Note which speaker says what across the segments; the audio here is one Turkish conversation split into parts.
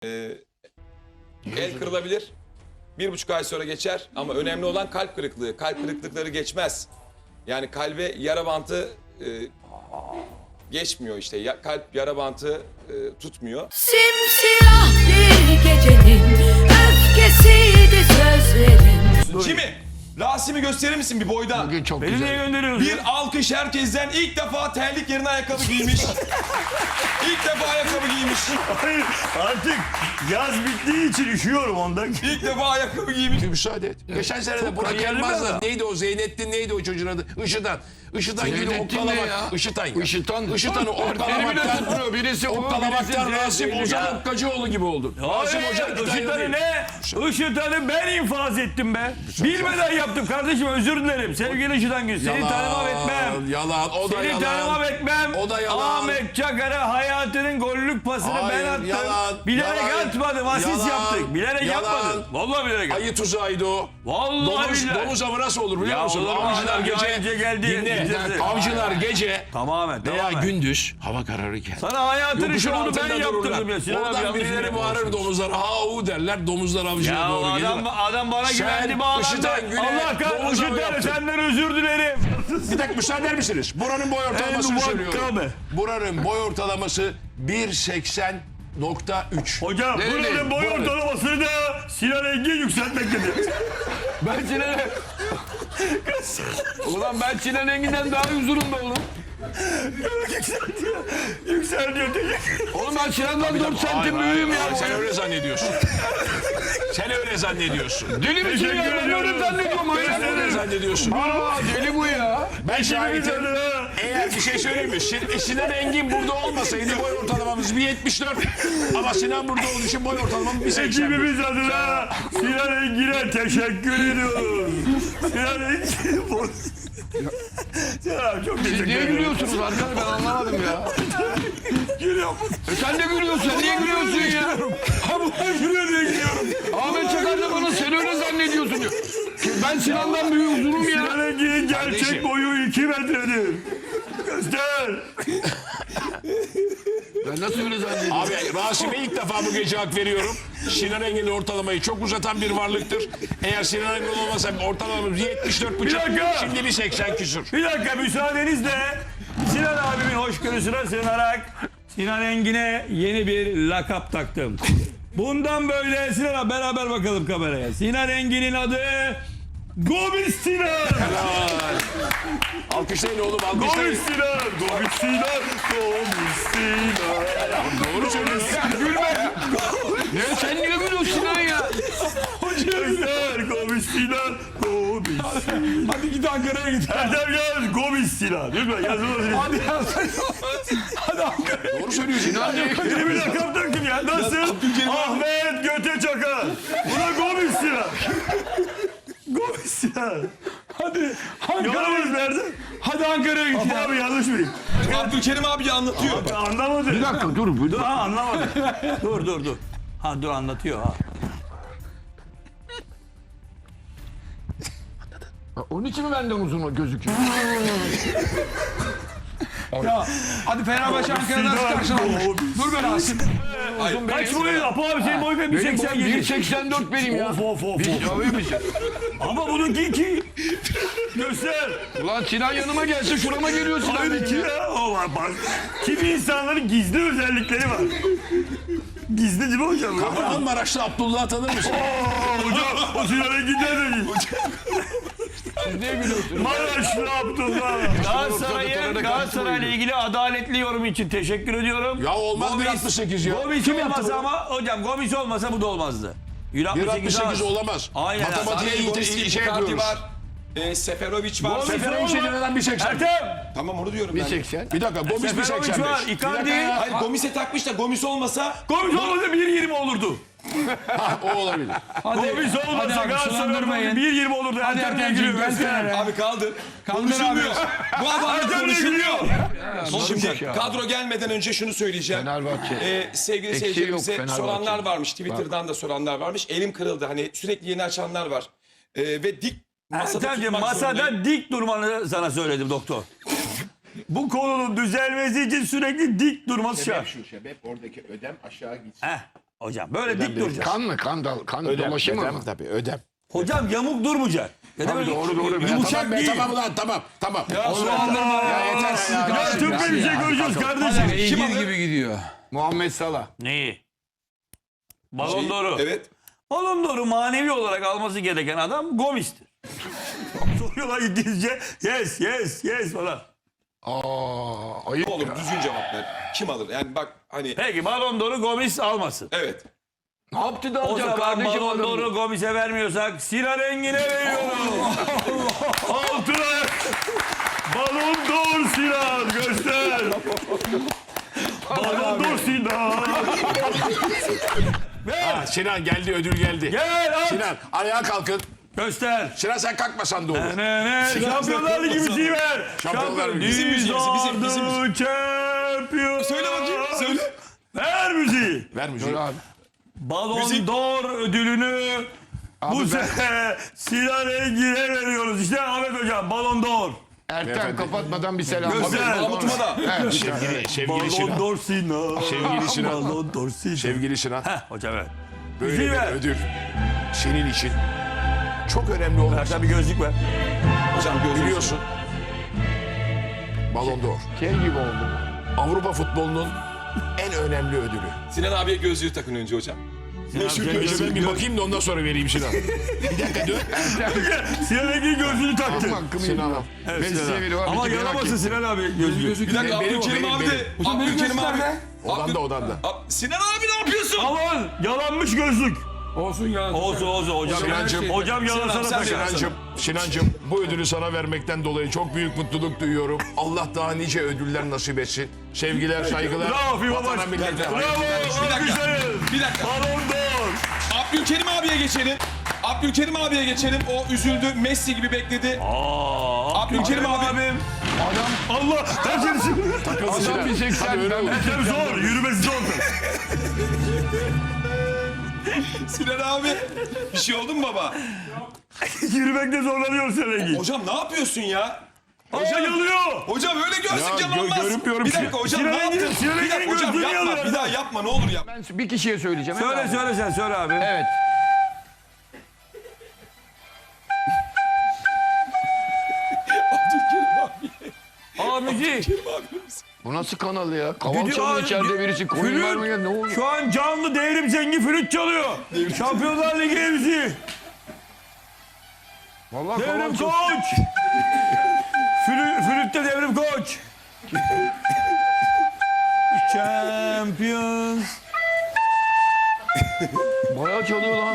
Speaker 1: El kırılabilir. 1,5 ay sonra geçer ama önemli olan kalp kırıklığı. Kalp kırıklıkları geçmez. Yani kalbe yara bantı geçmiyor işte. Kalp yara bantı tutmuyor.
Speaker 2: Simsiyah bir gecenin öfkesiydi sözlerin.
Speaker 1: Kimi? Rasim'i gösterir misin bir boydan?
Speaker 3: Bugün çok
Speaker 4: Beni niye
Speaker 3: güzel.
Speaker 4: gönderiyorsun?
Speaker 1: Bir alkış herkesten. İlk defa terlik yerine ayakkabı giymiş. İlk defa ayakkabı giymiş.
Speaker 4: Hayır, artık yaz bittiği için üşüyorum ondan.
Speaker 1: İlk defa ayakkabı giymiş.
Speaker 3: Müsaade et. Geçen sene de Burak
Speaker 4: kariyerli bir
Speaker 3: Elmaz'la
Speaker 4: adam.
Speaker 3: neydi o Zeynettin neydi o çocuğun adı? Işıtan. Işıtan gibi
Speaker 5: Zeynettin ne
Speaker 3: okkalamak.
Speaker 5: ya?
Speaker 3: Işıtan ya.
Speaker 5: Işıtan.
Speaker 3: Işıtan'ı
Speaker 5: Beni bile tutmuyor.
Speaker 3: okkalamaktan.
Speaker 5: Birisi o,
Speaker 3: Okkalamaktan
Speaker 5: birisi
Speaker 3: Rasim
Speaker 5: Zeynep.
Speaker 3: Ozan
Speaker 4: Ya.
Speaker 3: Okkacıoğlu gibi oldu. Rasim Ozan
Speaker 4: Hayır,
Speaker 3: iki tane
Speaker 4: Işıtan'ı
Speaker 3: değil.
Speaker 4: ne? Işıtan'ı ben infaz ettim be. Bilmeden yaptım kardeşim, özür dilerim. Sevgili Işıtan Gül, seni tanımam etmem.
Speaker 3: Yalan. O da
Speaker 4: Seni
Speaker 3: yalan.
Speaker 4: tanımam etmem.
Speaker 3: O da yalan.
Speaker 4: Ahmet Çakar'a hayatının gollük pasını
Speaker 3: Hayır,
Speaker 4: ben attım.
Speaker 3: yalan,
Speaker 4: Bilerek
Speaker 3: yalan,
Speaker 4: atmadım, asist
Speaker 3: yalan,
Speaker 4: yaptık. Bilerek
Speaker 3: yalan.
Speaker 4: yapmadım. Vallahi bilerek yaptım.
Speaker 3: Ayı tuzağıydı o.
Speaker 4: Vallahi billahi.
Speaker 3: Domuz avı nasıl olur biliyor
Speaker 4: Ya
Speaker 3: musun?
Speaker 4: olur mu?
Speaker 3: Avcılar
Speaker 4: Adam
Speaker 3: gece
Speaker 4: önce geldi,
Speaker 3: dinle.
Speaker 4: bitirdi.
Speaker 3: Avcılar gece
Speaker 4: Tamamen,
Speaker 3: veya
Speaker 4: tamamen.
Speaker 3: gündüz hava kararırken.
Speaker 4: Sana hayatının
Speaker 3: Yokuşun
Speaker 4: şovunu
Speaker 3: altında
Speaker 4: ben yaptırdım
Speaker 3: dururlar.
Speaker 4: ya. Sinan abi
Speaker 3: Oradan
Speaker 4: yanlış
Speaker 3: birileri
Speaker 4: yere
Speaker 3: bağırır
Speaker 4: konuşmuş.
Speaker 3: domuzlar. Ha u derler. Domuzlar avcıya
Speaker 4: Ya
Speaker 3: doğru
Speaker 4: adam,
Speaker 3: gelir.
Speaker 4: adam bana
Speaker 3: Sen
Speaker 4: güvendi, bağlandı.
Speaker 3: Işıtan Gül'e
Speaker 4: Allah
Speaker 3: domuz
Speaker 4: kahretsin,
Speaker 3: avı
Speaker 4: Işıtan,
Speaker 3: yaptın.
Speaker 4: senden özür dilerim.
Speaker 3: Bir dakika müsaade eder misiniz? Buranın boy ortalamasını
Speaker 4: En
Speaker 3: söylüyorum.
Speaker 4: muhakkame.
Speaker 3: Buranın boy ortalaması 1.80.3.
Speaker 4: Hocam buranın boy ortalamasını da Sinan Engin yükseltmektedir.
Speaker 5: Ben Sinan'e... Ulan ben Sinan Engin'den daha huzurum be oğlum.
Speaker 4: Yükseltiyor.
Speaker 5: Oğlum ben Sinan'dan 4 santim büyüğüm ya.
Speaker 3: Sen öyle zannediyorsun. Sen öyle zannediyorsun.
Speaker 5: Deli misin ya?
Speaker 4: Teşekkür
Speaker 5: Ben öyle
Speaker 4: ediyorum.
Speaker 5: zannediyorum.
Speaker 3: Sen öyle zannediyorsun.
Speaker 5: Aa deli bu ya.
Speaker 3: Ben şahidim.
Speaker 4: Şahidim.
Speaker 3: Eğer bir şey söyleyeyim mi? Sinan Engin burada olmasaydı boy ortalamamız 1.74. Ama Sinan burada olduğu için boy ortalamamız 1.80.
Speaker 4: Ekibimiz adına Sinan Engin'e teşekkür ediyoruz. Sinan Engin. Sinan abi çok teşekkür
Speaker 5: Niye
Speaker 4: ederim.
Speaker 5: gülüyorsunuz arkadaş, ben anlamadım ya.
Speaker 4: Gülüyorum.
Speaker 5: Sen de gülüyorsun. Sen niye gülüyorsun ya?
Speaker 4: Ha bu gülüyor diye gülüyorum.
Speaker 5: Ahmet Çakar da bana sen öyle zannediyorsun diyor. Ben Sinan'dan büyük huzurum ya.
Speaker 4: Sinan Engin'in gerçek
Speaker 3: Kardeşim.
Speaker 4: boyu 2 metredir. Göster.
Speaker 5: Ben nasıl öyle zannediyorum?
Speaker 3: Abi Rasim'e ilk defa bu gece hak veriyorum. Sinan Engin'in ortalamayı çok uzatan bir varlıktır. Eğer Sinan Engin olmasa ortalamamız 74,5.
Speaker 4: Bir dakika.
Speaker 3: Şimdi 1.80 küsür.
Speaker 4: Bir dakika müsaadenizle Sinan abimin hoşgörüsüne sığınarak Sinan Engin'e yeni bir lakap taktım. Bundan böyle Sinan abi beraber bakalım kameraya. Sinan Engin'in adı Gomis Sinan.
Speaker 3: Alkışlayın oğlum alkışlayın.
Speaker 4: Gomis Sinan. Gomis Sinan. Gomis Sinan.
Speaker 3: Doğru söylüyorsun.
Speaker 5: Gülme. Ne sen niye gülüyorsun Sinan ya?
Speaker 4: Göster Gomis Sinan. Gomis Sinan.
Speaker 1: Hadi git Ankara'ya git.
Speaker 4: Erdem yaz Gomis Sinan. Lütfen yazılmasın.
Speaker 1: Hadi Ankara'ya.
Speaker 3: Doğru söylüyorsun.
Speaker 5: Sinan niye gülüyor?
Speaker 4: Yeni bir lakap taktım ya. Nasıl? Ahmet Göte Çakar. Buna Gomis Sinan. Gomis Sinan.
Speaker 1: Hadi Ankara'ya
Speaker 4: Yolumuz
Speaker 1: git.
Speaker 4: nerede?
Speaker 1: Hadi Ankara'ya git.
Speaker 4: Abi yanlış mıyım?
Speaker 1: Abdülkerim abi anlatıyor.
Speaker 4: Anlamadım.
Speaker 5: Bir dakika dur.
Speaker 4: Dur ha anlamadım. dur. Ha dur anlatıyor ha.
Speaker 5: Onun için mi benden uzun gözüküyor?
Speaker 1: Ya hadi Fenerbahçe Ankara'dan
Speaker 4: Sinan,
Speaker 1: karşılanmış.
Speaker 4: Gomis.
Speaker 1: Dur be Rasim.
Speaker 4: Kaç boyun? Apo abi senin boyun
Speaker 5: Benim boyum
Speaker 4: 1.87.
Speaker 5: 1.84 benim ya.
Speaker 4: Of.
Speaker 5: Tabii misin?
Speaker 4: Ama bununki 2. Göster.
Speaker 5: Ulan Sinan yanıma gelse şurama geliyor Sinan
Speaker 4: Hayır
Speaker 5: benim
Speaker 4: 2
Speaker 5: ya.
Speaker 4: ya. O var bak. Kimi insanların gizli özellikleri var. Gizli değil mi hocam?
Speaker 3: Kahramanmaraş'ta Abdullah tanır mısın?
Speaker 4: Hocam o Sinan Engin'den de değil.
Speaker 5: Siz niye gülüyorsunuz?
Speaker 4: Maraşlı Abdullah. Galatasaray'la ilgili adaletli yorum için teşekkür ediyorum.
Speaker 3: Ya olmaz 1.68 ya.
Speaker 4: Gomis olmasa ama hocam Gomis olmasa bu da olmazdı.
Speaker 3: 1.68 olamaz.
Speaker 4: Aynen.
Speaker 3: Matematiğe
Speaker 1: Gomis'in
Speaker 3: şey
Speaker 1: Icardi
Speaker 3: yapıyoruz.
Speaker 1: var. Seferovic var.
Speaker 4: Gomis
Speaker 3: Seferovic'e neden 1.80?
Speaker 4: Ertem.
Speaker 1: Tamam onu diyorum ben.
Speaker 5: 1.80.
Speaker 3: Bir dakika Gomis
Speaker 4: Seferovic var.
Speaker 3: 1.85.
Speaker 4: Icardi.
Speaker 1: Hayır Gomis'e takmış da Gomis olmasa
Speaker 4: Gomis olmasa 1.20 olurdu.
Speaker 3: O olabilir.
Speaker 4: Gomis olmasa Galatasaray'ın 1.20 olurdu. Ertem'le ilgili mesela.
Speaker 1: abi kaldır. Konuşulmuyor. Bu adamla
Speaker 4: Ertem'le
Speaker 1: konuşulmuyor.
Speaker 4: ilgili.
Speaker 1: Şimdi kadro gelmeden önce şunu söyleyeceğim.
Speaker 5: Fenerbahçe.
Speaker 1: Sevgili
Speaker 5: Eksiği
Speaker 1: seyircilerimize
Speaker 5: yok Fenerbahçe.
Speaker 1: soranlar varmış. Twitter'dan da soranlar varmış. Elim kırıldı. Hani sürekli yeni açanlar var. Ve dik masada
Speaker 4: Ertem'ciğim
Speaker 1: tutmak zorundayım.
Speaker 4: masada dik durmanı sana söyledim doktor. Bu konunun düzelmesi için sürekli dik durması şart.
Speaker 6: Sebep oradaki ödem aşağı gitsin.
Speaker 4: Heh. Hocam böyle dik duracak.
Speaker 5: Kan mı? Kan dolaşımı mı?
Speaker 3: Tabii ödem.
Speaker 4: Hocam yamuk durmayacak. Ya da
Speaker 5: Tabii,
Speaker 4: böyle
Speaker 5: doğru.
Speaker 4: Yumuşak
Speaker 3: Tamam be,
Speaker 4: değil.
Speaker 3: tamam ulan tamam.
Speaker 5: Ya yeter.
Speaker 4: Ya tıbbi bir şey göreceğiz kardeşim.
Speaker 6: İngiliz gibi gidiyor.
Speaker 5: Muhammed Salah.
Speaker 4: Neyi? Balon d'Or'u.
Speaker 1: Evet.
Speaker 4: Balon d'Or'u manevi olarak alması gereken adam Gomis'tir. Soruyorlar İngilizce. Yes falan.
Speaker 5: Ayıp.
Speaker 1: Ne olur düzgün cevap ver. Kim alır? Yani bak hani
Speaker 4: Peki Balon d'Or'u Gomis almasın.
Speaker 1: evet.
Speaker 5: Ne yaptı da
Speaker 4: O
Speaker 5: alacak
Speaker 4: zaman
Speaker 5: kardeşim
Speaker 4: Balon
Speaker 5: adam?
Speaker 4: d'Or'u Gomis'e vermiyorsak Sinan Engin'e veriyoruz. Altına. Balon d'Or Sinan göster. Balon d'Or Sinan. Ver.
Speaker 3: Sinan geldi, ödül geldi.
Speaker 4: Gel at.
Speaker 3: Sinan ayağa kalkın.
Speaker 4: Göster.
Speaker 3: Sinan sen kalkmasan da olur.
Speaker 4: Şampiyonlar Ligi müziği ver.
Speaker 3: Şampiyonlar Ligi.
Speaker 1: Bizim müziğimiz, bizim müziğimiz.
Speaker 4: Champion.
Speaker 1: Söyle bakayım. Söyle.
Speaker 4: Ver müziği.
Speaker 3: Ver müziği.
Speaker 5: Abi.
Speaker 4: Balon
Speaker 1: Müzik.
Speaker 4: d'Or ödülünü bu sene Sinan Engin'e veriyoruz. İşte Ahmet Hocam Balon d'Or.
Speaker 5: Ertem kapatmadan bir selam.
Speaker 4: Göster.
Speaker 1: Mahmut'uma da.
Speaker 5: Evet.
Speaker 3: Sevgili
Speaker 4: Balon
Speaker 3: Sinan.
Speaker 4: d'Or Sinan.
Speaker 3: Sevgili Sinan.
Speaker 4: Balon d'Or Sinan.
Speaker 3: Sevgili Sinan.
Speaker 4: Hocam evet.
Speaker 3: Böyle
Speaker 4: Müziği
Speaker 3: bir
Speaker 4: ver.
Speaker 3: ödül senin için çok önemli olmasa
Speaker 4: Ertem bir gözlük ver.
Speaker 1: Hocam gözünüzü.
Speaker 3: biliyorsun. Ballon d'Or.
Speaker 5: Şey gibi oldu.
Speaker 3: Avrupa futbolunun en önemli ödülü.
Speaker 1: Sinan abiye gözlüğü takın önce hocam. Meşhur
Speaker 4: Sinan
Speaker 3: Önce ben
Speaker 1: gözlüğü.
Speaker 3: bir bakayım da ondan sonra vereyim Sinan. Bir dakika dur.
Speaker 4: Sinan Engin gözlüğünü taktı.
Speaker 5: Hakkımı
Speaker 3: Sinan
Speaker 5: yediler.
Speaker 3: al.
Speaker 4: Evet,
Speaker 5: Mesleğe
Speaker 4: Sinan.
Speaker 5: veriyor.
Speaker 4: Ama
Speaker 5: Merak
Speaker 4: yaramasın
Speaker 5: ettim.
Speaker 4: Sinan abi gözlüğü.
Speaker 1: Bir dakika
Speaker 3: Benim,
Speaker 1: Abdülkerim
Speaker 3: benim,
Speaker 1: abi de. Abdülkerim abi.
Speaker 3: Odanda.
Speaker 1: Sinan abi ne yapıyorsun?
Speaker 4: Aman yalanmış gözlük.
Speaker 5: Olsun ya.
Speaker 4: Olsun hocam.
Speaker 3: Sinancım.
Speaker 4: Hocam yalasana
Speaker 1: Sinan, sen
Speaker 4: takar.
Speaker 1: de-
Speaker 3: Sinancım bu ödülü sana vermekten dolayı çok büyük mutluluk duyuyorum. Allah daha nice ödüller nasip etsin. Sevgiler, saygılar.
Speaker 4: Bravo Fifa
Speaker 3: Vatana,
Speaker 4: Baş.
Speaker 3: millete.
Speaker 4: Bravo.
Speaker 1: Bir dakika.
Speaker 4: Alkışlayın.
Speaker 1: Bir dakika.
Speaker 4: Balon d'Or.
Speaker 1: Abdülkerim abiye geçelim. Abdülkerim abiye geçelim. O üzüldü. Messi gibi bekledi. Abdülkerim abi.
Speaker 4: abim. Allah. Kaçırsın.
Speaker 5: Adam bir 80. Ben
Speaker 4: Ertem zor. Yürümesi zor.
Speaker 1: Sinan abi. Bir şey oldu mu baba?
Speaker 4: Yürümekte zorlanıyor Sinan Engin.
Speaker 1: Hocam ne yapıyorsun ya?
Speaker 4: Hocam yalıyor.
Speaker 1: Hocam öyle gözlük
Speaker 3: Ya,
Speaker 1: yalanmaz.
Speaker 3: görünmüyorum
Speaker 1: Bir
Speaker 3: ki.
Speaker 1: dakika hocam
Speaker 4: Sinan
Speaker 1: ne
Speaker 4: Engin-
Speaker 1: yaptın?
Speaker 4: Sinan
Speaker 1: Bir dakika
Speaker 4: Engin'in
Speaker 1: hocam
Speaker 4: gözlüğünü
Speaker 1: yapma.
Speaker 4: alıyor.
Speaker 1: Bir daha yapma ne olur yapma.
Speaker 5: Ben bir kişiye söyleyeceğim.
Speaker 4: Söyle
Speaker 5: Evet.
Speaker 4: söyle sen söyle abi.
Speaker 5: Evet.
Speaker 1: Abdülkerim abi.
Speaker 4: Abici.
Speaker 5: Bu nasıl kanal ya? Kaval
Speaker 4: Gidiyor
Speaker 5: çalıyor
Speaker 4: abi,
Speaker 5: içeride birisi. Koyun
Speaker 4: Flüt.
Speaker 5: vermeye ne oluyor?
Speaker 4: Şu an canlı devrim zengi flüt çalıyor. Şampiyonlar Ligi MC.
Speaker 5: Vallahi
Speaker 4: Devrim
Speaker 5: kaval çok...
Speaker 4: koç. Flütte devrim koç. Champions.
Speaker 5: Bayağı çalıyor lan.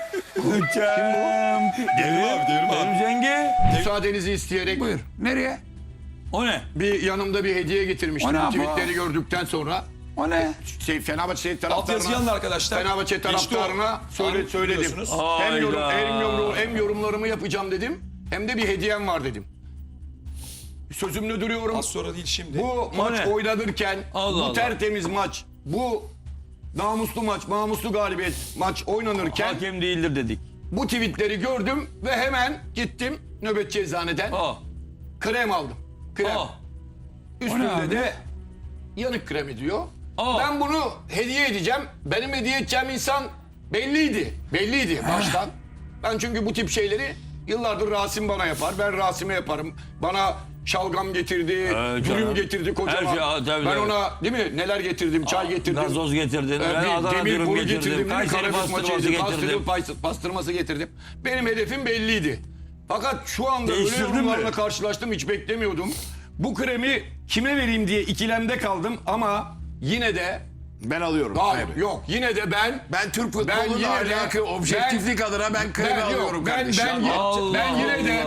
Speaker 4: Devrim zengi.
Speaker 5: Müsaadenizi isteyerek
Speaker 6: Buyur. Nereye?
Speaker 4: O ne?
Speaker 5: bir yanımda bir hediye getirmiştim.
Speaker 6: O ne
Speaker 5: Bu
Speaker 6: yapıyor?
Speaker 5: tweetleri gördükten sonra
Speaker 6: O ne?
Speaker 5: Fenerbahçe
Speaker 1: Alt yazı
Speaker 5: taraftarına
Speaker 1: yanında arkadaşlar.
Speaker 5: Fenerbahçe
Speaker 1: Geçti o.
Speaker 5: taraftarına söyledim.
Speaker 1: Biliyorsunuz.
Speaker 5: Hem yorumlarımı yapacağım dedim. Hem de bir hediyem var dedim. Sözümde duruyorum.
Speaker 1: Az sonra değil şimdi.
Speaker 5: Bu maç
Speaker 4: ne?
Speaker 5: oynanırken
Speaker 4: Allah
Speaker 5: bu
Speaker 4: Allah.
Speaker 5: tertemiz maç, bu namuslu maç, namuslu galibiyet maç oynanırken
Speaker 4: Hakem değildir dedik.
Speaker 5: bu tweetleri gördüm ve hemen gittim nöbetçi eczaneden
Speaker 4: Aa.
Speaker 5: krem aldım. Krem.
Speaker 4: Aa.
Speaker 5: Üstünde de yanık kremi diyor.
Speaker 4: Aa.
Speaker 5: Ben bunu hediye edeceğim. Benim hediye edeceğim insan belliydi. Belliydi baştan. Ben çünkü bu tip şeyleri yıllardır Rasim bana yapar. Ben Rasim'e yaparım. Bana şalgam getirdi,
Speaker 4: canım.
Speaker 5: dürüm getirdi kocaman.
Speaker 4: Her şey, tabii,
Speaker 5: ben
Speaker 4: tabii.
Speaker 5: ona değil mi neler getirdim, çay getirdim.
Speaker 4: Gazoz getirdin.
Speaker 5: Bir
Speaker 4: Ben Adana
Speaker 5: demir
Speaker 4: dürüm
Speaker 5: boru
Speaker 4: getirdim.
Speaker 5: getirdim.
Speaker 4: Kayseri
Speaker 5: Karabük
Speaker 4: pastırması
Speaker 5: maçıydı.
Speaker 4: getirdim.
Speaker 5: Pastırması getirdim. Benim hedefim belliydi. Fakat şu anda öyle
Speaker 4: Değiştirdin mi?
Speaker 5: yorumlarla karşılaştım hiç beklemiyordum. Bu kremi kime vereyim diye ikilemde kaldım ama yine de
Speaker 3: Ben alıyorum.
Speaker 5: hayır
Speaker 3: abi.
Speaker 5: yok yine de ben
Speaker 3: Türk
Speaker 5: futboluyla
Speaker 3: futboluyla
Speaker 5: alakalı,
Speaker 3: objektiflik adına ben kremi alıyorum kardeşim.
Speaker 4: Allah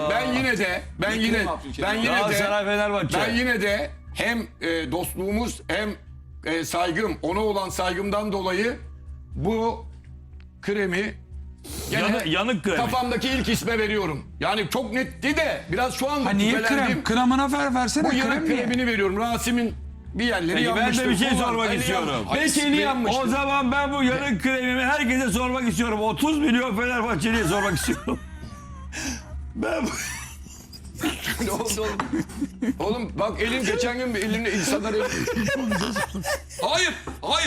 Speaker 5: ben
Speaker 4: Galatasaray Fenerbahçe.
Speaker 5: ben yine de hem dostluğumuz hem saygım ona olan saygımdan dolayı bu kremi gene
Speaker 4: Yanık kremi.
Speaker 5: kafamdaki ilk isme veriyorum. Yani çok netti de biraz şu anda
Speaker 6: Ha niye
Speaker 5: şüphelendim.
Speaker 6: krem? Kremına versene
Speaker 5: Bu yanık
Speaker 6: krem niye?
Speaker 5: kremini veriyorum. Rasim'in bir yerleri
Speaker 4: Peki, ben de
Speaker 5: yanmıştır.
Speaker 4: bir şey
Speaker 5: Kullan.
Speaker 4: sormak
Speaker 5: Eli
Speaker 4: istiyorum.
Speaker 5: Belki eli yanmıştır.
Speaker 4: O zaman ben bu yanık kremimi herkese sormak istiyorum. 30 milyon Fenerbahçeli'ye sormak istiyorum. Ben bu...
Speaker 5: Ne oldu oğlum? Oğlum bak elin geçen gün elini insanları...
Speaker 1: Hayır. Hayır.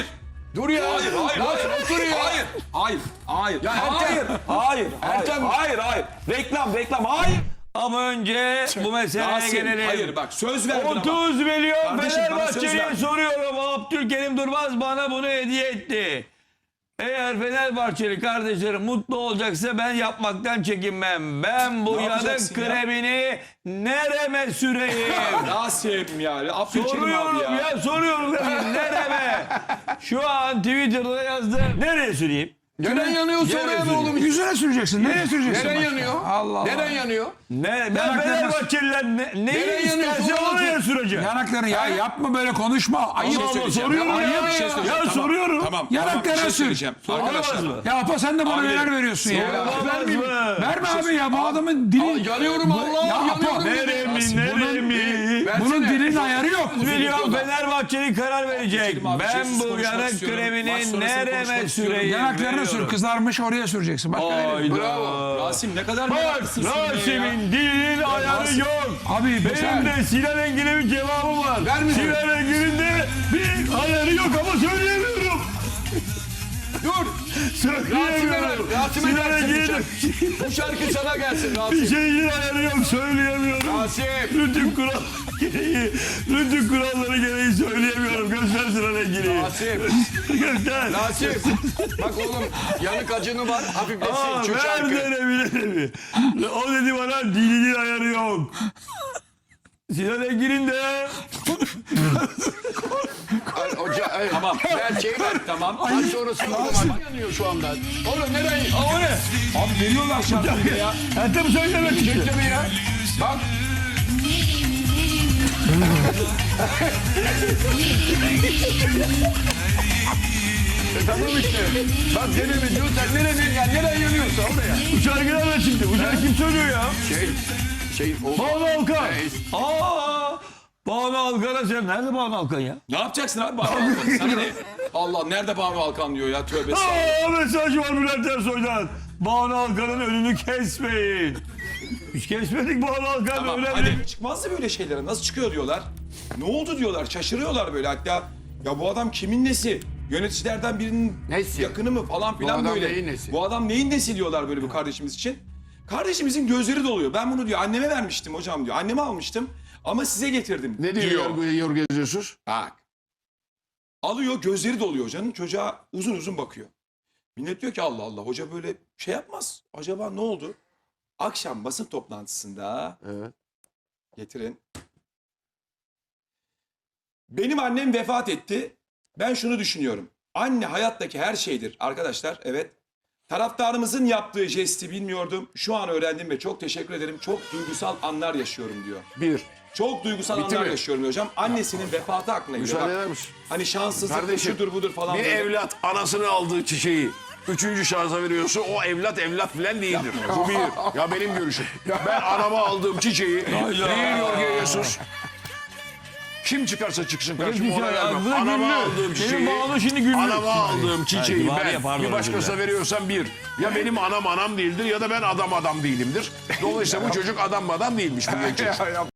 Speaker 5: Dur ya.
Speaker 1: Hayır,
Speaker 5: Rasim otur ya.
Speaker 1: Hayır.
Speaker 5: Ya Ertem.
Speaker 4: Hayır.
Speaker 5: Ertem.
Speaker 4: Hayır. Reklam. Hayır. Ama önce bu meseleye
Speaker 1: Rasim,
Speaker 4: gelelim.
Speaker 1: hayır bak söz verdin ama.
Speaker 4: 30 milyon
Speaker 1: Kardeşim, bana söz
Speaker 4: Fenerbahçeli'ye
Speaker 1: verdin.
Speaker 4: soruyorum. Abdülkerim Durmaz bana bunu hediye etti. Eğer Fenerbahçeli kardeşlerim mutlu olacaksa ben yapmaktan çekinmem. Ben bu
Speaker 1: Ne
Speaker 4: yanık
Speaker 1: yapacaksın ya?
Speaker 4: kremini nereme süreyim?
Speaker 1: Rasim ya. Abdülkerim abi
Speaker 4: Soruyorum
Speaker 1: ya.
Speaker 4: soruyorum. Nereme? Şu an Twitter'da yazdım. Nereye süreyim?
Speaker 5: Neden yanıyorsa
Speaker 4: Gene
Speaker 5: oraya be
Speaker 4: üzülüyor.
Speaker 5: oğlum.
Speaker 6: Yüzüne süreceksin. Nereye süreceksin?
Speaker 5: Neden
Speaker 6: başka?
Speaker 5: yanıyor?
Speaker 6: Allah Allah.
Speaker 5: Neden yanıyor?
Speaker 4: Ben
Speaker 6: Yanaklarına-
Speaker 4: Fenerbahçeliler neyi
Speaker 5: Nereye yanıyorsun
Speaker 4: isterse
Speaker 5: oğlum?
Speaker 4: oraya süreceğim.
Speaker 6: Yanaklarını ya yapma böyle konuşma. Ayıp.
Speaker 4: Allah soruyorum ya.
Speaker 1: Bir şey söyleyeceğim.
Speaker 4: Ya
Speaker 1: Tamam,
Speaker 4: soruyorum.
Speaker 1: Tamam.
Speaker 6: Yanaklarına
Speaker 1: bir şey
Speaker 6: sür.
Speaker 1: söyleyeceğim.
Speaker 4: Olmaz
Speaker 1: Arkadaşlar.
Speaker 4: mı?
Speaker 6: Ya Apa sen de bana
Speaker 1: Abilerim.
Speaker 6: neler veriyorsun ya.
Speaker 4: Olmaz
Speaker 6: Vermeyeyim.
Speaker 4: mı?
Speaker 6: Verme abi ya bu adamın dili.
Speaker 5: Yanıyorum Allah.
Speaker 6: Ya Apa,
Speaker 5: Yanıyorum.
Speaker 4: Neremi?
Speaker 6: bunun dilinin ayarı yok.
Speaker 4: Milyon Fenerbahçeli karar verecek.
Speaker 1: Abdülkerim abi,
Speaker 4: Ben
Speaker 1: sessiz
Speaker 4: bu
Speaker 1: konuşmak
Speaker 4: yanık
Speaker 1: istiyorum. Maç
Speaker 4: kremini
Speaker 1: sonrasını
Speaker 4: nereme
Speaker 1: konuşmak istiyorum.
Speaker 4: süreyim?
Speaker 6: Yanaklarına sür.
Speaker 4: Veriyorum.
Speaker 6: Kızarmış oraya süreceksin. Başka nereye?
Speaker 4: Hayda.
Speaker 5: Bravo.
Speaker 1: Rasim ne kadar
Speaker 4: Bak
Speaker 1: meraklısın sen ya.
Speaker 4: Rasim'in dilinin ayarı
Speaker 1: Rasim-
Speaker 4: yok.
Speaker 6: Abi
Speaker 4: Benim de Sinan Engin'e bir cevabım var.
Speaker 5: Ver mi?
Speaker 4: Sinan Engin'in de bir ayarı yok ama söyleyemiyorum.
Speaker 5: Dur.
Speaker 4: Söyleyemiyorum.
Speaker 5: Rasim'e
Speaker 4: Sinan
Speaker 5: gelsin
Speaker 4: Engin'in
Speaker 5: bu şarkı sana gelsin
Speaker 4: bir
Speaker 5: Rasim.
Speaker 4: şeyin ayarı yok söyleyemiyorum.
Speaker 5: Rasim.
Speaker 4: Rütük kuralları gereği söyleyemiyorum. Göster Sinan Engin'i.
Speaker 5: Rasim.
Speaker 4: Göster.
Speaker 5: Rasim. Bak oğlum yanık acını var. Hafiflesin
Speaker 4: Aa,
Speaker 5: şu
Speaker 4: ver
Speaker 5: şarkı.
Speaker 4: denemi. O dedi bana dilinin ayarı yok. Sinan Engin'in de
Speaker 5: Tamam. Ver şey ver.
Speaker 1: Tamam.
Speaker 5: Maç sonrası yanıyor şu anda. Oğlum nereye?
Speaker 4: o ne?
Speaker 1: Abi veriyorlar şarkıyı ya.
Speaker 4: Ertem söylemek için.
Speaker 5: Bekle bir ya. Bak. Tamam işte. Bak denemi diyor sen nereye yanıyorsa oraya.
Speaker 4: Bu şarkı nereden çıktı? Bu şarkı kim söylüyor ya? Banu Alkan. Banu Alkan'a sen nerede Banu Alkan ya?
Speaker 1: Ne yapacaksın abi Banu Alkan? Sana ne? Allah nerede Banu Alkan diyor ya tövbe estağfurullah.
Speaker 4: Mesaj var Bülent Ersoy'dan. Banu Alkan'ın önünü kesmeyin. Biz kesmedik Banu Alkan
Speaker 1: Tamam
Speaker 4: öyle
Speaker 1: hadi
Speaker 4: mi?
Speaker 1: çıkmazsa böyle şeylere nasıl çıkıyor diyorlar. Ne oldu diyorlar şaşırıyorlar böyle hatta. Ya bu adam kimin nesi? Yöneticilerden birinin
Speaker 5: Nesi?
Speaker 1: yakını mı falan filan
Speaker 5: adam
Speaker 1: böyle.
Speaker 5: neyin nesi?
Speaker 1: Bu adam neyin nesi diyorlar böyle bu kardeşimiz için. Kardeşimizin gözleri doluyor. Ben bunu diyor anneme vermiştim hocam diyor. Anneme almıştım ama size getirdim
Speaker 7: Ne diyor Yorgo Jesus?
Speaker 1: Bak. Alıyor gözleri doluyor hocanın. Çocuğa uzun uzun bakıyor. Millet diyor ki Allah Allah hoca böyle şey yapmaz. Acaba ne oldu? Akşam basın toplantısında
Speaker 7: Evet.
Speaker 1: getirin. Benim annem vefat etti. Ben şunu düşünüyorum. Anne hayattaki her şeydir arkadaşlar. Evet. Taraftarımızın yaptığı jesti bilmiyordum. Şu an öğrendim ve çok teşekkür ederim. Çok duygusal anlar yaşıyorum diyor.
Speaker 7: Bir.
Speaker 1: Çok duygusal
Speaker 7: Bitti
Speaker 1: anlar
Speaker 7: mi?
Speaker 1: yaşıyorum hocam. Annesinin vefatı aklına geliyor.
Speaker 7: Müsaade
Speaker 1: Bak,
Speaker 7: eder misin?
Speaker 1: hani şanssızlık
Speaker 7: Kardeşim,
Speaker 1: şudur budur falan.
Speaker 7: Bir
Speaker 1: böyle.
Speaker 7: evlat anasını aldığı çiçeği üçüncü şahsa veriyorsa o evlat falan değildir. Bu bir. Ya benim görüşüm. Ben anama aldığım çiçeği değil Yorgo Jesus. Kim çıkarsa çıksın karşıma ona vermem. Anama aldığım çiçeği,
Speaker 4: Banu şimdi güllü.
Speaker 7: anama aldığım çiçeği
Speaker 4: Ha,
Speaker 7: ben
Speaker 4: pardon,
Speaker 7: bir başkasına veriyorsam bir. Ya benim anam değildir ya da ben adam değilimdir. Dolayısıyla bu çocuk adam değilmiş bu genç çocuk.